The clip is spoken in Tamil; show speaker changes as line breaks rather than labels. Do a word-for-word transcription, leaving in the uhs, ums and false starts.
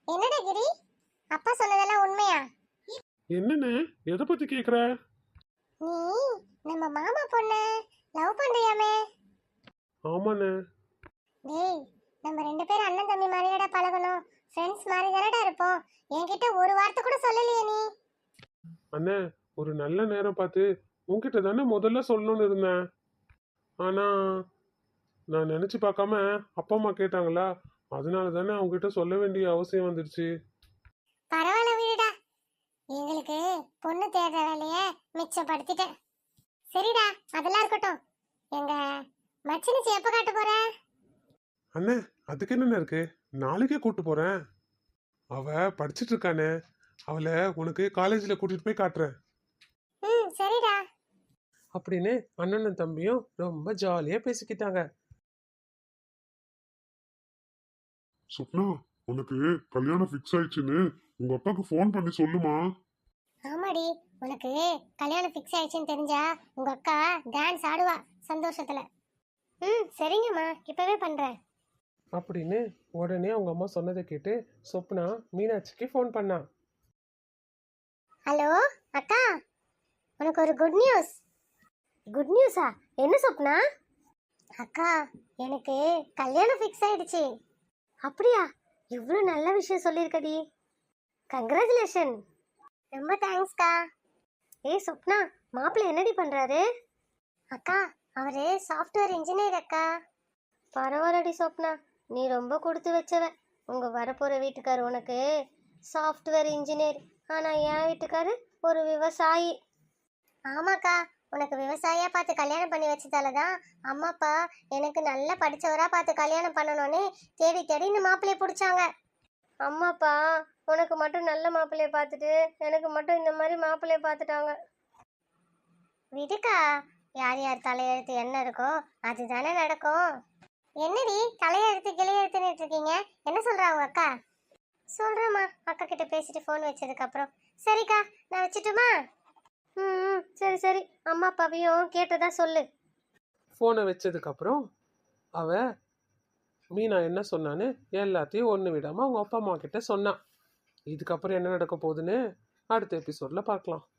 என்னடா கிரி, அப்பா சொன்னதெல்லாம் உண்மையா?
என்னண்ணே, எதை பத்தி கேக்குற?
நீ நம்ம மாமா பொண்ண லவ் பண்றியாமே?
ஆமாண்ணே.
டேய், நம்ம ரெண்டு பேரும் அண்ணன் தம்பி மாதிரிடா பழகணும், ஃப்ரெண்ட்ஸ் மாதிரி தானடா இருப்போம். என்கிட்ட ஒரு வார்த்தை கூட சொல்லலையே நீ.
அண்ணே, ஒரு நல்ல நேரம் பார்த்து உன்கிட்ட தானே முதல்ல சொல்லணும்னு இருந்தேன். ஆனா நான் நினைச்சு பார்க்காம அப்பா அம்மா கேட்டாங்களா, அதனால தானே அவங்ககிட்ட சொல்ல வேண்டிய அவசியம் வந்துடுச்சு.
பரவாயில்ல விடுடா, எங்களுக்கு பொண்ணு தேடுற வேலைய மிச்சப்படுத்திட்டேன். சரிடா, அதெல்லாம் இருக்கட்டும். எங்க மச்சினிச்சி எப்ப காட்ட போற?
அண்ணே, அதுக்கு என்னண்ணே இருக்கு, நாளைக்கே கூட்டு போறேன். அவ படிச்சிட்டு இருக்கானே, அவளை உனக்கு காலேஜ்ல கூட்டிட்டு போய் காட்டுறேன்
ம் சரிடா.
அப்படின்னு அண்ணனும் தம்பியும் ரொம்ப ஜாலியா பேசிக்கிட்டாங்க.
சுப்னா, உனக்கு கல்யாணம் ஃபிக்ஸ் ஆயிடுச்சுன்னு உங்க அப்பாக்கு ஃபோன் பண்ணி சொல்லுமா.
ஆமாடி, உனக்கு கல்யாணம் ஃபிக்ஸ் ஆயிடுச்சுன்னு தெரிஞ்சா உங்க அக்கா டான்ஸ் ஆடுவா சந்தோஷத்துல. ம் சரிங்கம்மா, இப்பவே பண்றேன்.
அப்படின்னு உடனே அவங்க அம்மா சொன்னதை கேட்டு சொப்னா மீனாட்சிக்கு ஃபோன் பண்ணா.
ஹலோ அக்கா, உனக்கு ஒரு குட் நியூஸ். குட் நியூஸா? என்ன சொப்னா? அக்கா, எனக்கு கல்யாணம் ஃபிக்ஸ் ஆயிடுச்சு. அப்படியா? இவ்வளோ நல்ல விஷயம் சொல்லியிருக்கடி. கங்க்ராச்சுலேஷன். ரொம்ப தேங்க்ஸ்க்கா. ஏய் சொப்னா, மாப்பிள்ளை என்னடி பண்றாரு? அக்கா, அவரு சாஃப்ட்வேர் இன்ஜினியர் அக்கா. பரவாயில்லடி சொப்னா, நீ ரொம்ப கொடுத்து வச்சவ. உங்க வரப்போற வீட்டுக்காரு உனக்கு சாஃப்ட்வேர் இன்ஜினியர், ஆனா என் வீட்டுக்காரு ஒரு விவசாயி. ஆமாக்கா, உனக்கு விவசாயியா பார்த்து கல்யாணம் பண்ணி வச்சதால தான் அம்மா அப்பா எனக்கு நல்லா படிச்சவரா பார்த்து கல்யாணம் பண்ணணும்னு தேடி தேடி இந்த மாப்பிள்ளைய பிடிச்சாங்க. அம்மாப்பா உனக்கு மட்டும் நல்ல மாப்பிள்ளைய பார்த்துட்டு எனக்கு மட்டும் இந்த மாதிரி மாப்பிள்ளைய பார்த்துட்டாங்க. விடுக்கா, யார் யார் தலையெழுத்து என்ன இருக்கோ அதுதானே நடக்கும். என்னடி தலையெழுத்து கிளையெழுத்துன்னு இருக்கீங்க? என்ன சொல்றாங்க அக்கா? சொல்றேம்மா, அக்கா கிட்ட பேசிட்டு ஃபோன் வச்சதுக்கு அப்புறம். சரிக்கா, நான் வச்சுட்டுமா? ம் சரி சரி, அம்மா அப்பாவையும் கேட்டதா சொல்லு.
ஃபோனை வச்சதுக்கு அப்புறம் அவ மீனா என்ன சொன்னான்னு எல்லாத்தையும் ஒன்று விடாம அவங்க அப்பா அம்மா கிட்ட சொன்னான். இதுக்கப்புறம் என்ன நடக்க போகுதுன்னு அடுத்த எபிசோட்ல பார்க்கலாம்.